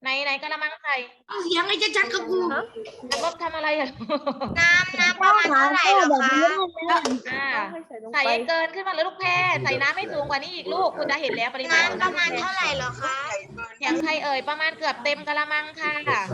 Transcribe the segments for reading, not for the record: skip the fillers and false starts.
ไหนกระมังใส่เอาเสียงไอ้ชัดๆครับครูนักรบทำอะไรอ่ะน้ำประมาณเท่าไหร่เหรอคะอ่าใส่ให้เกินขึ้นมาเลยลูกแพรใส่น้ำไม่สูงกว่านี้อีกลูกคุณจะเห็นแล้วปริมาณน้ำประมาณเท่าไหร่เหรอคะเสียงใครเอ่ยประมาณเกือบเต็มกระมังค่ะ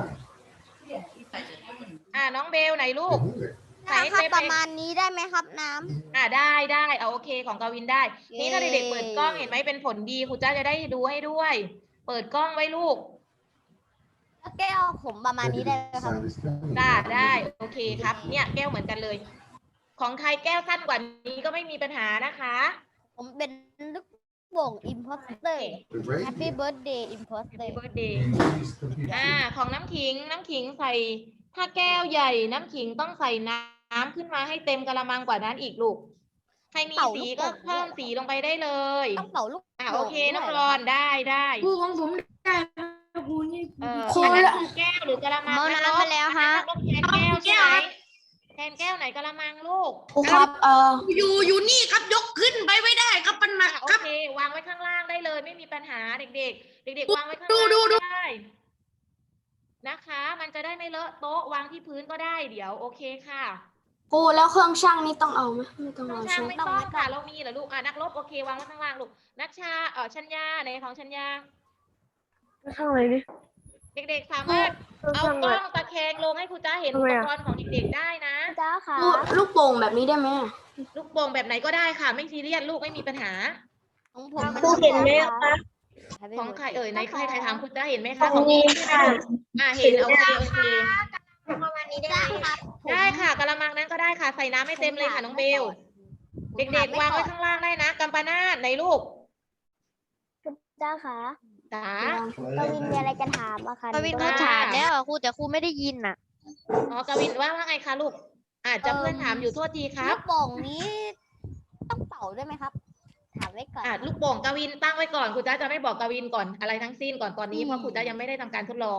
น้องเบลไหนลูกใส่ให้ครับเต็มประมาณนี้ได้ไหมครับน้ำได้เอาโอเคของกวินได้ นี่ถ้าเด็กๆเปิดกล้องเห็นไหมเป็นผลดีครูจ้าจะได้ดูให้ด้วย เปิดกล้องไว้ลูกแก้วผมประมาณนี้ได้ไหมครับได้โอเคครับเนี่ยแก้วเหมือนกันเลย ของใครแก้วสั้นกว่านี้ก็ไม่มีปัญหานะคะผมเป็นลูกโป่ง imposter Happy birthday imposter Happy birthday ของน้ำขิงใส่ถ้าแก้วใหญ่น้ำขิงต้องใส่น้ำขึ้นมาให้เต็มกระมังกว่านั้นอีกลูกใครมีสีก็เพิ่มสีลงไปได้เลยต้องเป่าลูกโอเคน้องรอนได้ครูของผมได้ครับครูนี่ครูละแก้วหรือกระมังเอาน้ำมาแล้วฮะแทนแก้วใช่ไหมแทนแก้วไหนกระมังลูกครูครับอยู่นี่ครับยกขึ้นไปไม่ได้ครับมันหนักโอครับเควางไว้ข้างล่างได้เลยไม่มีปัญหาเด็กๆวางไว้ข้างล่างได้นะคะ มันจะได้ไม่เลอะโต๊ะวางที่พื้นก็ได้เดี๋ยวโอเคค่ะครูแล้วเครื่องช่างนี่ต้องเอาไหมไม่ต้องน้อเอางช่างใช่ไหมไม่ต้องค่ะเรามีเหรอลูกนักรบโอเควางไว้ข้างล่างลูกนักชาชัญญาไหนของชัญญาช่างอะไรดิเด็กๆสามารถเอากล้องตะแคงลงให้ครูจ้าเห็นอุปกรณ์ของเด็กๆได้นะจ้าค่ะครูลูกโป่งแบบนี้ได้ไหมลูกโป่งแบบไหนก็ได้ค่ะ ไม่ซีเรียสลูกไม่มีปัญหาของผมครูเห็นไหมคะของใครเอ่ยไหนใครถามครูจ้าเห็นไหมคะของนี้ค่ะเห็นโอเคประมาณนี้ได้ไหมครับได้ค่ะกะละมังนั้นก็ได้ค่ะใส่น้ำให้เต็มเลยค่ะน้องเบลเด็กๆวางไว้ข้างล่างได้นะกัมปนาทไหนลูกจ้าค่ะจ๋ากวินมีอะไรจะถามอะคะกวินเขาถามแล้วอะครูแต่ครูไม่ได้ยินอ่ะกวินว่าไงคะลูกอาจจะเพื่อนถามอยู่โทษทีครัลูบกโป่งนี้ต้องเป่าด้วยไหมครับ ถามไว้ก่อนลูกโป่งกวินตั้งไว้ก่อนครูจ้าจะไม่บอกกวินก่อนอะไรทั้งสิ้นก่อนตอนนี้เพราะครูจ้ายังไม่ได้ทำการทดลอง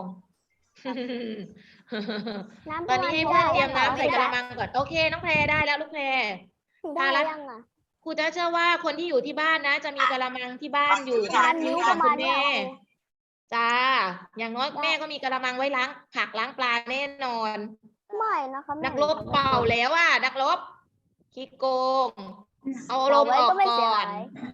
ตอนนี้ให้เพื่อนเตรียมน้ำใส่กระมังก่อนโอเคน้องแพรได้แล้วลูกแพรได้ยังอ่ะครูจ้าเชื่อว่าคนที่อยู่ที่บ้านนะ จะมีกระมังที่บ้านอยู่ที่ร้านนิ้วของคุณแม่จ้าอย่างน้อยแม่ก็มีกระมังไว้ล้างผักล้างปลาแน่นอนไม่นะคะนักรบเป่าแล้วนักรบขี้โกงเอาลมออกก่อน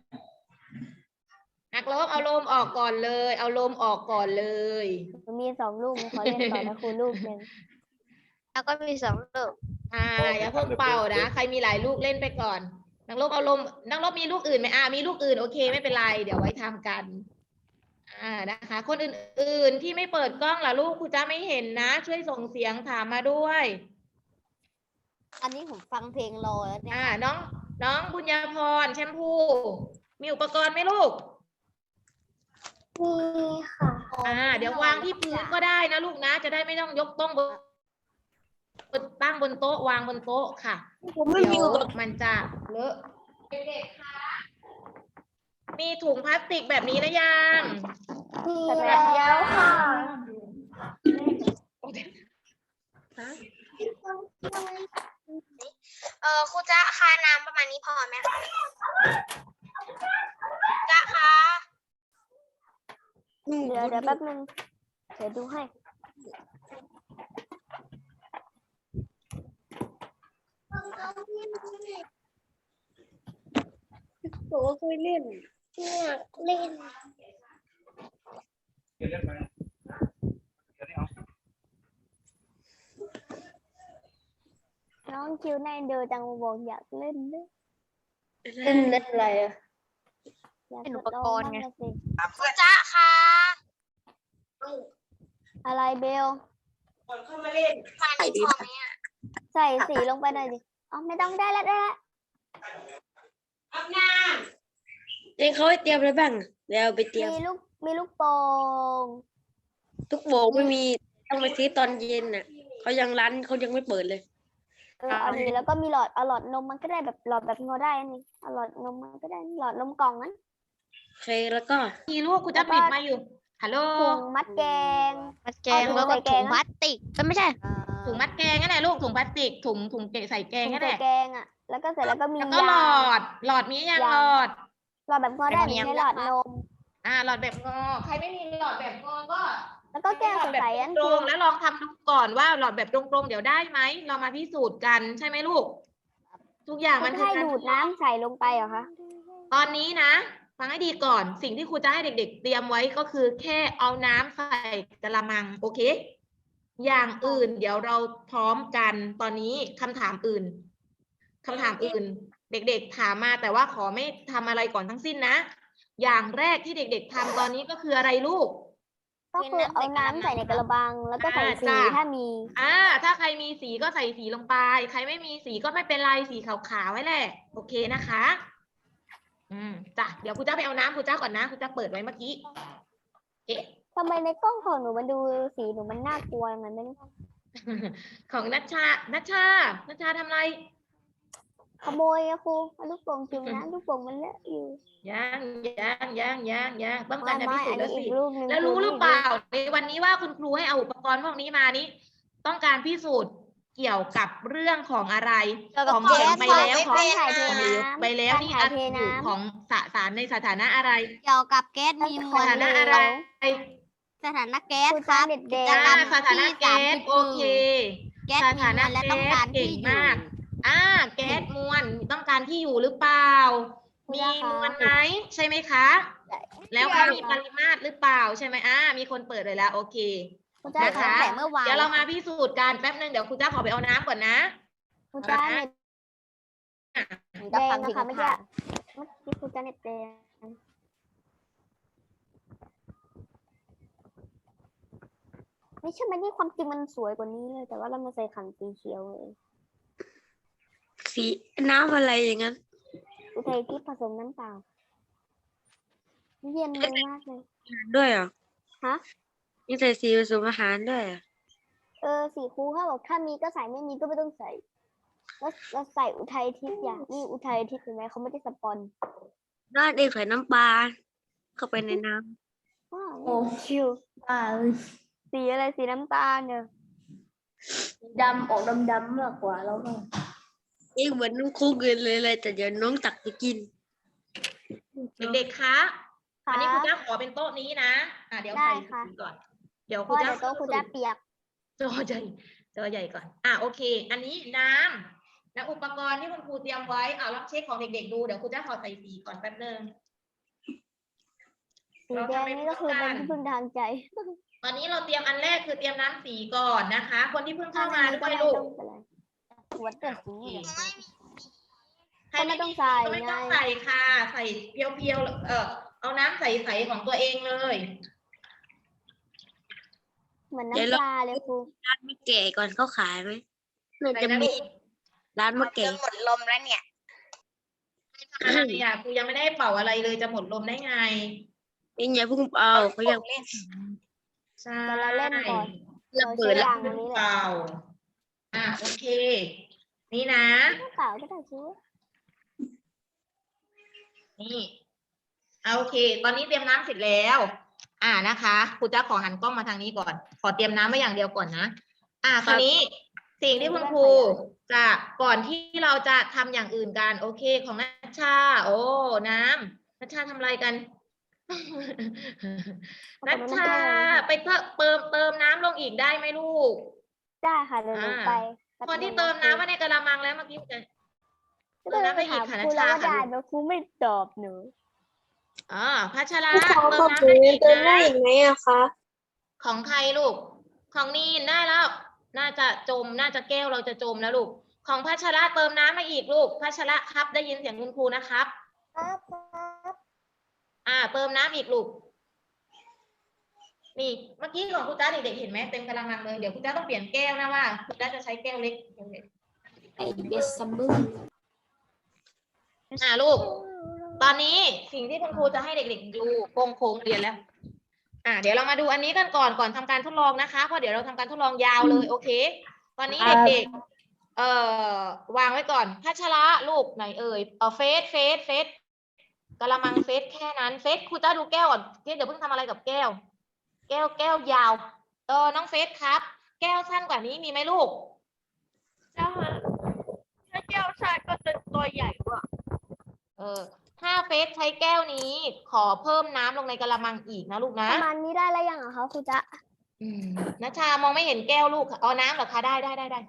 นักรบเอาลมออกก่อนเลย เอาลมออกก่อนเลยมี2 ลูกขอเล่นต่อนะครูลูกหนึ่งแล้วก็มี2ลูกอย่าเพิ่งเป่านะใครมีหลายลูกเล่นไปก่อนนักรบเอาลมนักรบมีลูกอื่นไหมมีลูกอื่นโอเคไม่เป็นไรเดี๋ยวไว้ทำกันนะคะ คนอื่นๆที่ไม่เปิดกล้องล่ะลูกครูจ้าไม่เห็นนะ ช่วยส่งเสียงถามมาด้วยอันนี้ผมฟังเพลงรอแล้วเนี่ยน้องบุญญาพรแชมพูมีอุปกรณ์ไหมลูกมีค่ะเดี๋ยววางที่พื้นก็ได้นะลูกนะ จะได้ไม่ต้องยกต้องตั้งบนโต๊ะวางบนโต๊ะค่ะเดี๋ยวมันจะเลอะเด็กๆค่ะมีถุงพลาสติกแบบนี้หรือยังมีแล้วค่ะครูจะค่าน้ำประมาณนี้พอไหมคะจะคะเดี๋ยวแป๊บนึงเดี๋ยวดูให้โอ้เคยเล่นเล่นน้องคิวในเดินจังบอกอยากเล่นด้วยเล่นอะไรอะเป็นอุปกรณ์ไงครูจ๊ะค่ะอะไรเบลผ่านที่พอไหมอ่ะใส่สีลงไปหน่อยดิอ๋อไม่ต้องได้แล้วเองเขาให้เตรียมอะไรบ้างเดี๋ยวไปเตรียมมีลูกโป่งทุกโบกไม่มีต้องไปซื้อตอนเย็นน่ะเขายังร้านเขายังไม่เปิดเลยเอาดีแล้วก็มีเอาหลอดนมมันก็ได้แบบหลอดแบบงอได้นี่เอาหลอดนมมันก็ได้หลอดนมกล่องนั้นโอเคแล้วก็มีลูกครูจะปิดมาอยู่ฮัลโหลถุงมัดแกงมัดแกงแล้วก็ถุงพลาสติกไม่ใช่ถุงมัดแกงนั่นแหละลูกถุงพลาสติกถุงเกะใส่แกงถุงนั่นแหใส่ละแกงอ่ะแล้วก็เสร็จแล้วก็มีแล้วก็หลอดมียังหลอดหลอดแบบงอได้ไม่ใช่หลอดนมหลอดแบบงอใครไม่มีหลอดแบบงอก็แล้วก็แก้วหลอดแบบใสๆอันตรคืองๆแล้วลองทำดูก่อนว่าหลอดแบบตรงๆเดี๋ยวได้ไหมเรามาพิสูจน์กันใช่ไหมลูก ทุกอย่างคุมันณคือให้การดูดน้ำใส่ลงไปเหรอคะตอนนี้นะ ฟังให้ดีก่อนสิ่งที่ครูจะให้เด็กๆ เตรียมไว้ก็คือแค่เอาน้ำใส่กระมังโอเค อย่างอื่น เดี๋ยวเราพร้อมกันตอนนี้คำถามอื่น เด็กๆถามมาแต่ว่าขอไม่ทำอะไรก่อนทั้งสิ้นนะ อย่างแรกที่เด็กๆทำตอนนี้ก็คืออะไรลูกก็คือเอาน้ำใส่ในกระบังแล้วก็ใส่สีจ้ะถ้ามีถ้าใครมีสีก็ใส่สีลงไป ใครไม่มีสีก็ไม่เป็นไรสีขาวๆไว้แหละ โอเคนะคะ จ้ะเดี๋ยวครูจ้าไปเอาน้ำครูจ้าก่อนนะครูจ้าเปิดไว้เมื่อกี้ทำไมในกล้องของหนูมันดูสีหนูมันน่ากลัวอย่างนั้นไม่รู้ของนัชชาทำอะไรขโมยอะครูเอาลูกโป่งจุ่มน้ำลูกโป่งมันเลอะอยู่ยังต้องการจะพิไม่สูจอันน์แล้วนี้สิอีกลูกหนึงแล้วรู้หรือเปล่าในวันนี้ว่าคุณครูให้เอาอุปกรณ์พวกนี้มานี้ ต้องการพิสูจน์เกี่ยวกับเรื่องของอะไรเกี่ยวกับของเห็นไปแล้วการของถ่ายเทของน้ไปแล้วการนี่ถ่ายเทอยู่น้ำของสารในสถานะอะไรเกี่ยวกับแก๊สมีมสวลถานะอะไรสถานะแก๊สครูครัจ้าบเด็ดแดกิงจกรรมสถานะที่แก๊ส 30 โอเคแก๊สสมีถาม นะวลและต้องการแก๊สที่เก่งอยู่มาก แก๊สมวลต้องการที่อยู่หรือเปล่า มีมวลไหมใช่ไหมคะ แล้วก็มีปริมาตรหรือเปล่าใช่ไหมมีคนเปิดเลยแล้วโอเคครูจ้านะคะแต่เมื่อวานเดี๋ยวเรามาพิสูจน์กันแป๊บนึงเดี๋ยวครูจ้าขอไปเอาน้ำก่อนนะครูจ้าเน็ตจะแดฟังงนะถึงคะเมื่อกี้ค่ะเมื่อกี้ครูจ้าเน็ตแดงไม่ใช่ไหมนี่ความจริงมันสวยกว่านี้เลย แต่ว่าเรามาใส่ขันสีเขียวเลยสีน้ำอะไรอย่างนั้นอุทัยทิพย์ผสมน้ำเปล่าเย็นเลยมากเลยด้วยเหรอฮะมีใส่สีผสมอาหารด้วยเหรอสีครูเขาบอกถ้ามีก็ใส่ไม่มีก็ไม่ต้องใส่ แล้วใส่อุทัยทิพย์อย่างนี่อุทัยทิพย์เห็นไหมเขาไม่ได้สปอนน้าเด็กใส่น้ำปลาเข้าไปในน้ว้าวชิวสีอะไรสีน้ำตาลเนี่ยดำออกดำๆมากกว่าแล้วก็ำเองเหมือนน้องคุกเลยแต่เดี๋ยวน้องตักไปกินเด็กๆคะควันนี้ครัรูบจ้าขอเป็นโต๊ะนี้นะเดี๋ยวได้ใส่ค่ะสีก่อน เดี๋ยวเพครูราะจ้าเดี๋ยวโต๊ะครูจะเปียกจอใหญ่ก่อนโอเค อันนี้น้ำและอุปกรณ์ที่คุณครูเตรียมไว้ลองเช็คของเด็กๆดูเดี๋ยวครูจ้าขอใส่สีก่อนแป๊บนึงสีแดงนี่ก็คือเป็นที่พึ่งทางใจตอนนี้เราเตรียมอันแรกคือเตรียมน้ำสีก่อนนะคะ คนที่เพิ่งเข้ามาด้วยลูกหัวเดือดสีใครไม่ต้องใส่ก็ไม่ต้องใส่ค่ะ ใส่เพียวๆเอาน้ำใสๆของตัวเองเลยเหมือนน้ำปลาเลยครูร้านมะแก่ก่อนเขาขายไหมน่าใส่จะนะมีลูกร้านมะแก่หมดลมแล้วเนี่ยอะไรอ่ะครูยังไม่ได้เป่าอะไรเลยจะหมดลมได้ไงเองอย่าเพิ่งเอาเขายังใช่แต่เราเล่นก่อนระเบิดเราแล้วใช้ยางอันนี้แหละเป่าโอเค นี่นะเปล่าก็ได้ชิวนี่โอเค ตอนนี้เตรียมน้ำเสร็จแล้วนะคะครูจะขอหันกล้องมาทางนี้ก่อน ขอเตรียมน้ำไว้อย่างเดียวก่อนนะคราวนี้สิ่งที่คุณครูจะก่อนที่เราจะทำอย่างอื่นกันโอเคของนัชชา โอ้น้ำนัชชาทำอะไรกัน นัชชาไปเติมน้ำลงอีกได้ไหมลูกได้ค่ะเดี๋ยวหนูไปคนที่เติมน้ำไว้ในกระมังแล้วเมื่อกี้จะ เติมน้ำไปอีกค่ะครูแล้วว่านัชชาได้แล้วครูไม่ตอบหนูพัชระเติมน้ำไปอีกนะยังไงอะคะของใครลูก ของนีนได้แล้ว น่าจะแก้วเราจะจมแล้วลูก ของพัชระเติมน้ำมาอีกลูก พัชระครับได้ยินเสียงคุณครูนะครับครับเติมน้ำอีกลูก นี่เมื่อกี้ของคุณจ้าเด็กๆเห็นไหมเต็มกระมังเลย เดี๋ยวคุณจ้าต้องเปลี่ยนแก้วนะว่าคุณจ้าจะใช้แก้วเล็กไอเบสซัมเบอร์ลูก ตอนนี้สิ่งที่คุณครูจะให้เด็กๆดูโค้งเรียนแล้ว เดี๋ยวเรามาดูอันนี้กันก่อนทำการทดลองนะคะ เพราะเดี๋ยวเราทำการทดลองยาวเลยโอเค ตอนนี้เด็กๆวางไว้ก่อนพัชระลูกไหนเอ่ยเฟสกระมังเฟสแค่นั้นเฟสครูจะดูแก้วก่อนเดี๋ยวเพิ่งทำอะไรกับแก้ว แก้วยาวน้องเฟสครับ แก้วสั้นกว่านี้มีไหมลูกถ้าแก้วชาก็จะตัวใหญ่กว่าถ้าเฟสใช้แก้วนี้ขอเพิ่มน้ำลงในกระมังอีกนะลูกนะประมาณนี้ได้แล้วยังเหรอคะครูจ๊ะนัชชามองไม่เห็นแก้วลูกค่ะเอาน้ำเหรอคะได้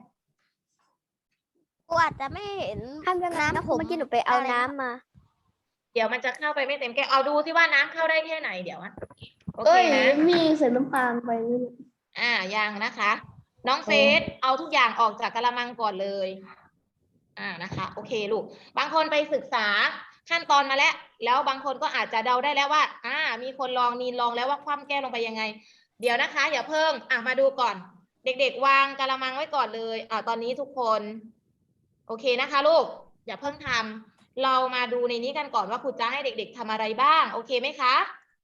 กูอาจจะไม่เห็นทำกันน้ำเมื่อกี้หนูไปเอาน้ำมาเดี๋ยวมันจะเข้าไปไม่เต็มแก้วเอาดูสิว่าน้ำเข้าได้แค่ไหนเดี๋ยวอะโอเคนะมีใส่น้ำตาลไปยังนะคะ น้องเฟสเอาทุกอย่างออกจากกะละมังก่อนเลยนะคะ โอเคลูกบางคนไปศึกษาขั้นตอนมาแล้วบางคนก็อาจจะเดาได้แล้วว่ามีคนลองนีลองแล้วว่าคว่ำแก้วลงไปยังไง เดี๋ยวนะคะอย่าเพิ่งมาดูก่อน เด็กๆวางกะละมังไว้ก่อนเลยตอนนี้ทุกคนโอเคนะคะลูกอย่าเพิ่งทำเรามาดูในนี้กันก่อนว่าครูจะให้เด็กๆทำอะไรบ้างโอเคไหมคะ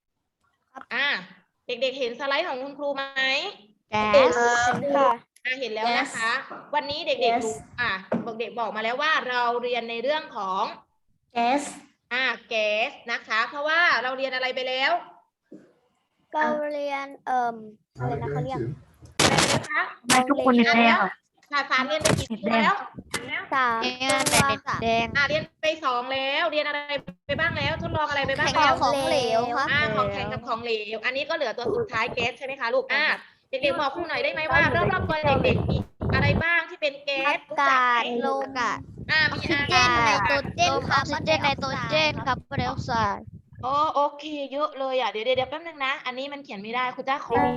เด็กๆเห็นสไลด์ของคุณครูไหม เห็นแล้วนะคะ วันนี้เด็กๆรู้เด็กบอกมาแล้วว่าเราเรียนในเรื่องของแก๊สนะคะ เพราะว่าเราเรียนอะไรไปแล้วเราเรียนอะไรนะเขาเรียกนะคะทุกคนในแรกสารเรียนไปกี่ตัวแล้ว 3 แดงเรียนไป2แล้วเรียนอะไรไปบ้างแล้วทดลองอะไรไปบ้างแข่งแล้กัวบของเหลวครับของแข็งกับของเหลวอันนี้ก็เหลือตัวสุดท้ายแก๊สใช่ไหมคะลูกเด็กๆบอกครูหน่อยได้ไหมว่ารอบๆตัวเด็กๆมีอะไรบ้างที่เป็นแก๊สอากาศลมมีออกซิเจนไนโตรเจนครับออกซิเจนไนโตรเจนครับคาร์บอนไดออกไซด์โอเคเยอะเลยเดี๋ยวแป๊บนึงนะอันนี้มันเขียนไม่ได้ครูจะขอ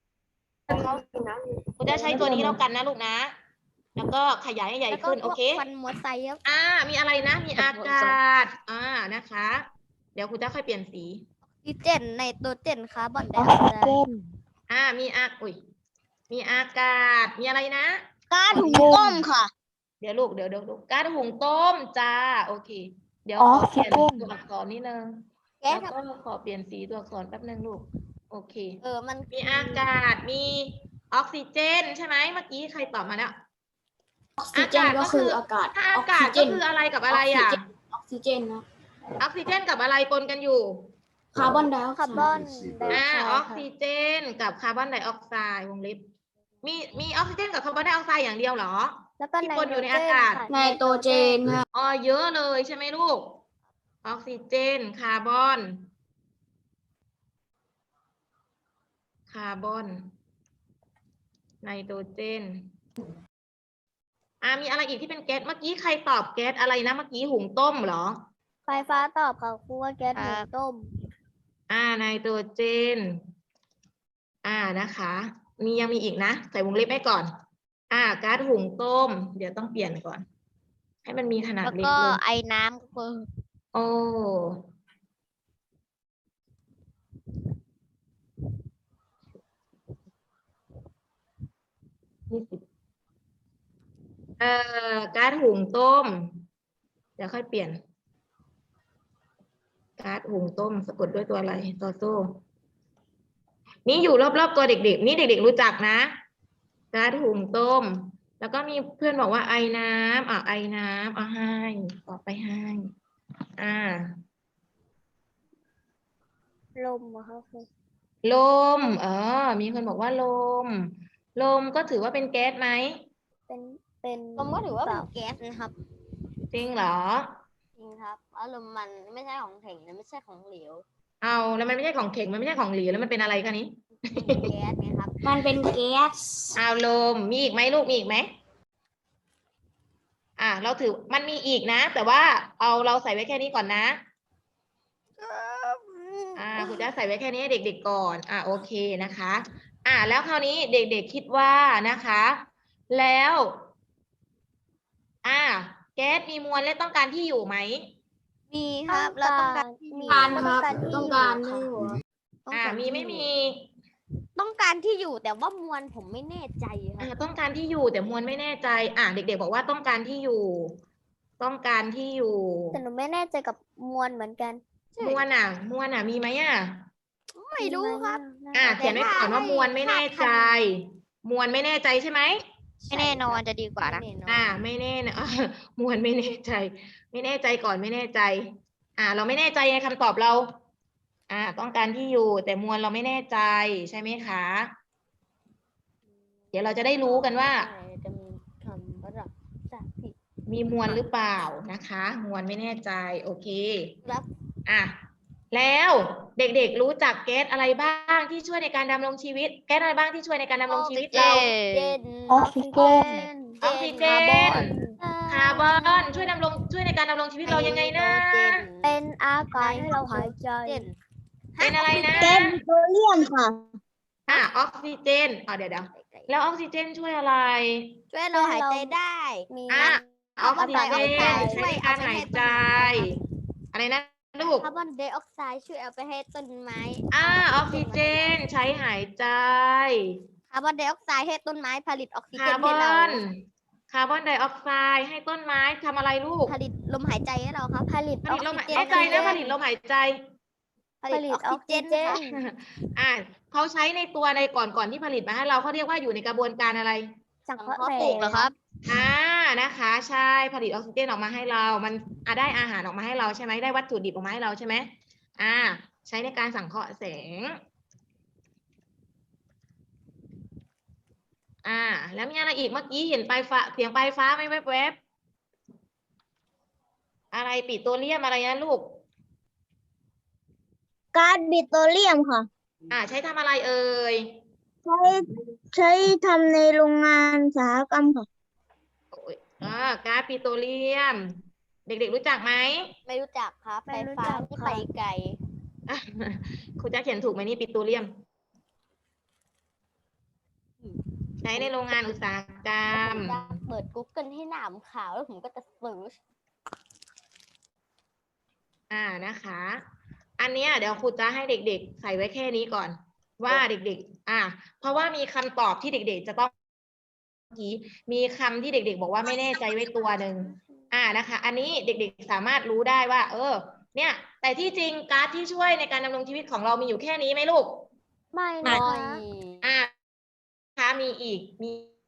ครูจะใช้ตัวนี้แล้วกันนะลูกนะแล้วก็ขยายให้ใหญ่ขึ้นโอเคควันมอไซค์ครับมีอะไรนะมีอากาศนะคะเดี๋ยวครูจะค่อยเปลี่ยนสีออกซิเจนไนโตรเจนคาร์บอนไดออกไซด์มีอากาศมีอะไรนะก๊าซหุงต้มค่ะเดี๋ยวลูกก๊าซหุงต้มจ้าโอเค เดี๋ยวขอเปลี่ยนตัวอักษรนิดนึงแก๊แล้สวก็ขอเปลี่ยนสีตัวอักษรแป๊บนึงลูกโอเคมันมีอากาศมีออกซิเจนใช่ไหมเมื่อกี้ใครตอบมาแล้วอากาศก็คืออากาศถ้าอากาศก็คืออะไรกับอะไรออกซิเจนนะออกซิเจนกับอะไรปนกันอยู่คาร์บอนไดออกไซด์ออกซิเจนกับคาร์บอนไดออกไซด์วงเล็บมีออกซิเจนกับคาร์บอนไดออกไซด์อย่างเดียวเหรอแล้วก็ที่ปนอยู่ในอากาศไนโตรเจนค่ะเยอะเลยใช่ไหมลูกออกซิเจนคาร์บอนไนโตรเจนมีอะไรอีกที่เป็นแก๊สเมื่อกี้ใครตอบแก๊สอะไรนะเมื่อกี้หุงต้มเหรอไฟฟ้าตอบค่ะครูว่าแก๊สหุงต้มไนโตรเจนนะคะยังมีอีกนะใส่วงเล็บไว้ก่อนก๊าซหุงต้มเดี๋ยวต้องเปลี่ยนก่อน ให้มันมีขนาดแล้วเล็กก็ลงไอ้น้ำคือโอ้ก๊าซหุงต้มเดี๋ยวค่อยเปลี่ยนก๊าซหุงต้มสะกดด้วยตัวอะไรตัวโซ่นี่อยู่รอบๆตัวเด็กๆนี่เด็กๆรู้จักนะก๊าซหุงต้มแล้วก็มีเพื่อนบอกว่าไอน้ำไอน้ำให้ต่อไปให้ลมอะค่ะครูลมมีคนบอกว่าลมก็ถือว่าเป็นแก๊สไหมเป็นผมก็ถือว่าเป็นแก๊สนะครับจริงเหรอจริงครับอารมณ์มันไม่ใช่ของแข็งและไม่ใช่ของเหลวแล้วมันไม่ใช่ของแข็งมันไม่ใช่ของเหลวแล้วมันเป็นอะไรคะนี้เป็นแก๊สไงครับมันเป็นแก๊สลมมีอีกไหมลูกมีอีกไหมเราถือมันมีอีกนะ แต่ว่าเราใส่ไว้แค่นี้ก่อนนะคุณจะใส่ไว้แค่นี้ให้เด็กๆก่อนโอเคนะคะแล้วคราวนี้เด็กๆคิดว่านะคะแล้วแก๊สมีมวลและต้องการที่อยู่ไหมมีครับเราต้องการที่อยู่ต้องการที่มีไม่มีต้องการที่อยู่แต่ว่ามวลผมไม่แน่ใจครับต้องการที่อยู่แต่มวลไม่แน่ใจเด็กๆบอกว่าต้องการที่อยู่ ต้องการที่อยู่แต่หนูไม่แน่ใจกับมวลเหมือนกันมวลมีไหมไม่รู้ครับเขียนไว้ก่อนว่ามวลไม่แน่ใจ มวลไม่แน่ใจใช่ไหมไม่แน่นอนจะดีกว่านะไม่แน่นะ มวลไม่แน่ใจ ไม่แน่ใจก่อนไม่แน่ใจ เราไม่แน่ใจในคำตอบเรา ต้องการที่อยู่แต่มวลเราไม่แน่ใจใช่ไหมคะ เดี๋ยวเราจะได้รู้กันว่าจะมีคำประดับจากผิดมีมวลหรือเปล่านะคะ มวลไม่แน่ใจโอเคครับมแล้วเด็กๆรู้จักแก๊สอะไรบ้างที่ช่วยในการดำรงชีวิต แก๊สอะไรบ้างที่ช่วยในการดำรงชีวิตเราออกซิเจนออกซิเจน คาร์บอนช่วยในการดำรงชีวิตเรายังไงนะเป็นอากาศให้เราหายใจเป็นอะไรนะแก๊สโซเดียมค่ะออกซิเจนเดี๋ยวแล้วออกซิเจนช่วยอะไรช่วยเราหายใจได้มีออกซิเจนใช้ในการหายใจ อะไรนะลูกคาร์บอนไดออกไซด์ช่วยเอาไปให้ต้นไม้ออกซิเจนใช้หายใจคาร์บอนไดออกไซด์ให้ต้นไม้ผลิตออกซิเจคาน ร์บให้อเราน คาร์บอนไดออกไซด์ให้ต้นไม้ทำอะไรลูกผลิตลมหายใจให้เราครับผลิตผลิตลมหายใจนะผลิตลมหายใจผลิตออกซิเจนค่ะเขาใช้ในตัวในก่อนที่ผลิตมาให้เราเขาเรียกว่าอยู่ในกระบวนการอะไรสังสังเคราะเคราะห์ห์ปลูกเหรอครับนะคะ ใช่ผลิตออกซิเจนออกมาให้เรา มันได้อาหารออกมาให้เราใช่ไหมได้วัตถุดิบออกมาให้เราใช่ไหมใช้ในการสังเคราะห์แสงแล้วมีอะไรอีกเมื่อกี้เห็นปลายฟ้าเสียงปลายฟ้าไหมแวบๆอะไรปิโตรเลียมอะไรนะลูกก๊าซปิโตรเลียมค่ะใช้ทำอะไรเอ่ยใช้ทำในโรงงานอุตสาหกรรมค่ะก๊าซปิโตรเลียม เด็กๆรู้จักไหมไม่รู้จักครับไม่ไฟรู้ฟ้าจักที่ค่ะไปไกลครูจะเขียนถูกไหมนี่ปิโตรเลียม ใช้ในโรงงานอุตสาหกรรมจะเปิด Google ให้หนามขาวแล้วผมก็จะเสิร์ชนะคะ อันเนี้ยเดี๋ยวครูจะให้เด็กๆ ใส่ไว้แค่นี้ก่อน ว่าเด็กๆ เพราะว่ามีคำตอบที่เด็กๆจะต้องมีคำที่เด็กๆ บอกว่าไม่แน่ใจไว้ตัวหนึ่งนะคะ อันนี้เด็กๆ สามารถรู้ได้ว่า เนี่ย แต่ที่จริงก๊าซที่ช่วยในการดำรงชีวิตของเรามีอยู่แค่นี้ไหมลูกไม่ไม่นะคะมีอีกมี